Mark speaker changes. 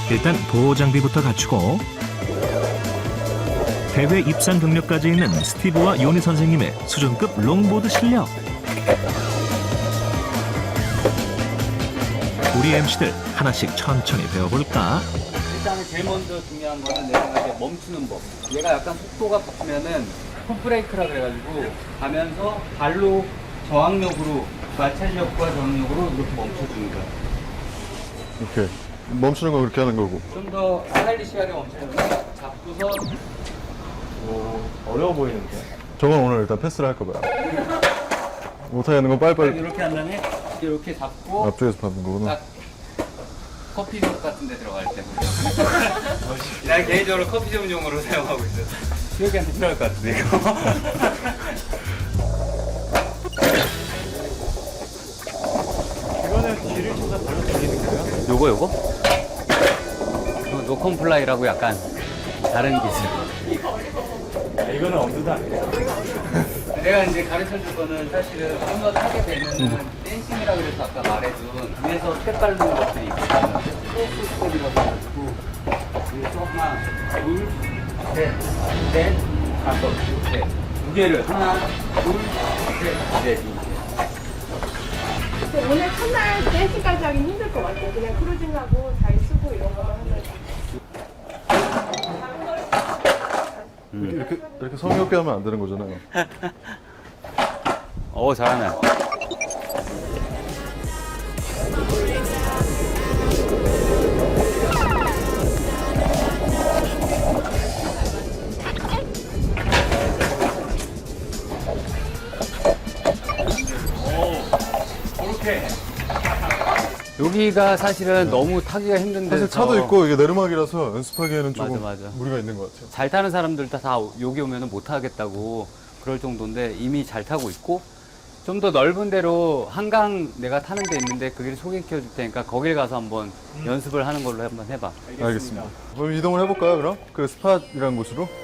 Speaker 1: 일단 보호 장비부터 갖추고 대회 입상 경력까지 있는 스티브와 요니 선생님의 수준급 롱보드 실력. 우리 MC들 하나씩 천천히 배워볼까?
Speaker 2: 일단은 제일 먼저 중요한 거는 내 생각에 멈추는 법. 얘가 약간 속도가 붙으면은 풋브레이크라 그래가지고 가면서 발로 저항력으로 마찰력과 저항력으로 이렇게 멈춰주는 거야.
Speaker 3: 이렇게 멈추는 거 그렇게 하는 거고.
Speaker 2: 좀 더 스타일리시하게 멈춰주면 잡고서
Speaker 4: 어려워 보이는데.
Speaker 3: 저건 오늘 일단 패스를 할까 봐요. 못하게 하는 건 빨리빨리
Speaker 2: 이렇게 한 다음에 이렇게 잡고
Speaker 3: 앞쪽에서 밟는 거구나.
Speaker 2: 딱 커피숍 같은 데 들어갈 때 난 개인적으로 커피 전문용으로 사용하고 있어요. 수혁이한테 필요할 것 같은데 이거.
Speaker 4: 이거는 뒤를 쳐서 발로 돌리는 거예요?
Speaker 2: 요거? 노컴플라이라고 약간 다른 기술.
Speaker 4: 이거는 엄두도 안 돼요.
Speaker 2: 내가 이제 가르쳐 줄 거는 사실은 좀 더 타게 되면은 댄싱이라고 그래서 아까 말해준 위에서 스텝 밟는 것들이 있거든요. 크로스 스텝이라고 해가지고 위에서 하나, 둘, 셋, 넷, 다섯, 이렇게 두 개를 하나, 둘, 셋, 넷 이렇게.
Speaker 5: 오늘 첫날 댄스까지 하긴 힘들 것 같아요. 그냥 크루징하고 잘 쓰고 이런 거만 하면.
Speaker 3: 이렇게 성의 없게 하면 안 되는 거잖아요.
Speaker 2: 잘하네. 여기가 사실은 너무 타기가 힘든데
Speaker 3: 사실 차도 있고 이게 내리막이라서 연습하기에는 조금
Speaker 2: 맞아.
Speaker 3: 무리가 있는 것 같아요.
Speaker 2: 잘 타는 사람들 다 여기 오면 못 하겠다고 그럴 정도인데 이미 잘 타고 있고 좀 더 넓은 데로 한강 내가 타는 데 있는데 거기를 소개시켜 줄 테니까 거길 가서 한번 연습을 하는 걸로 한번 해봐.
Speaker 3: 알겠습니다. 그럼 이동을 해볼까요, 그럼? 그 스팟이라는 곳으로?